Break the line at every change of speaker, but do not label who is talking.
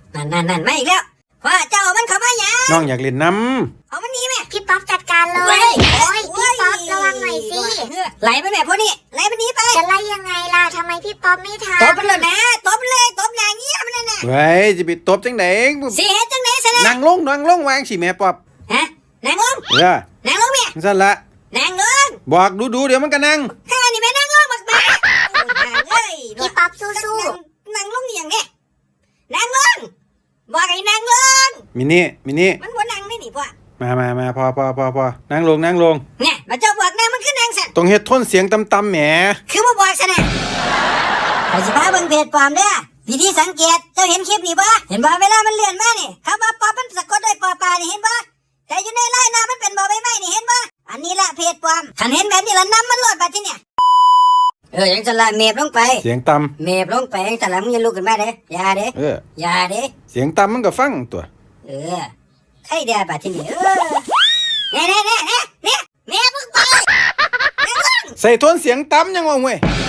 นั่นไม่อีกแล้วพ่อเจ้ามันเข้ามาหยัง
น้องอยากเล่นน้
เอามันนี้แม่
พี่ป๊อปจัดการเลยโอ้ยพี่ป๊อประวังหน่อยสิ
ไหลไปแม่พวกนี้ไหลมันนี้ไป
จะไล่ยังไงล่ะทำไมพี่ป๊อปไม่ทำ
ตบมันเลยนะตบเลยตบอย่างเงี้ยมันนั่นน่ะ
ำเฮ้ยจะไปตบจังไหน
สิเฮ็ดจังไหนซะนะ
นั่งลงวางสิแม่ป๊อบ
ฮะนั่งลงนั่งลงแม่
สั่นละ
นั่งลง
บอกดูเดี๋ยวมันก็นั่ง
ข้านี่แม่นั่งลงบักแม่เอ้ย
พี่ป๊อปสู้
นั่งลงอย่างเนี้ยนั่งลงบอกให้นั่งลง
มินี่
มันบ่นั่งนี่พ่อ
มาพอนั่งลง
เนี่ยมาเจ้าบอกนั่งมันคือนั่งสั่น
ต้องเฮ็ดโทนเสียงต่ำๆแหม
คือบ่บอกซะนะข้อยสิพาเบิ่งเพจปลอมเด้อวิธีสังเกตเจ้าเห็นคลิปนี่บ่เห็นบ่เวลามันเลื่อนมานี่คำว่าป๊อปมันสะกดด้วยปอปลานี่เห็นบ่แต่อยู่ในไลน์หน้ามันเป็นบ่ใบไม้นี่เห็นบ่อันนี้ละเพจปลอมคันเห็นแบบนี้ละนำมันโหลดบัดทีเนี่ยยังจะละเมฟลงไป
เสียงต่ำ
เมฟลงไปยังจะละมึงอย่าลุกขึ้นมาเด้อย่าเด้อย่าเด้
เสียงต่ำมันก็ฟังตัว
ใครเด้บัดทีนี้เนี่ยเมฟลงไป
ใส่โทนเสียงต่ำยังว่าเว้ย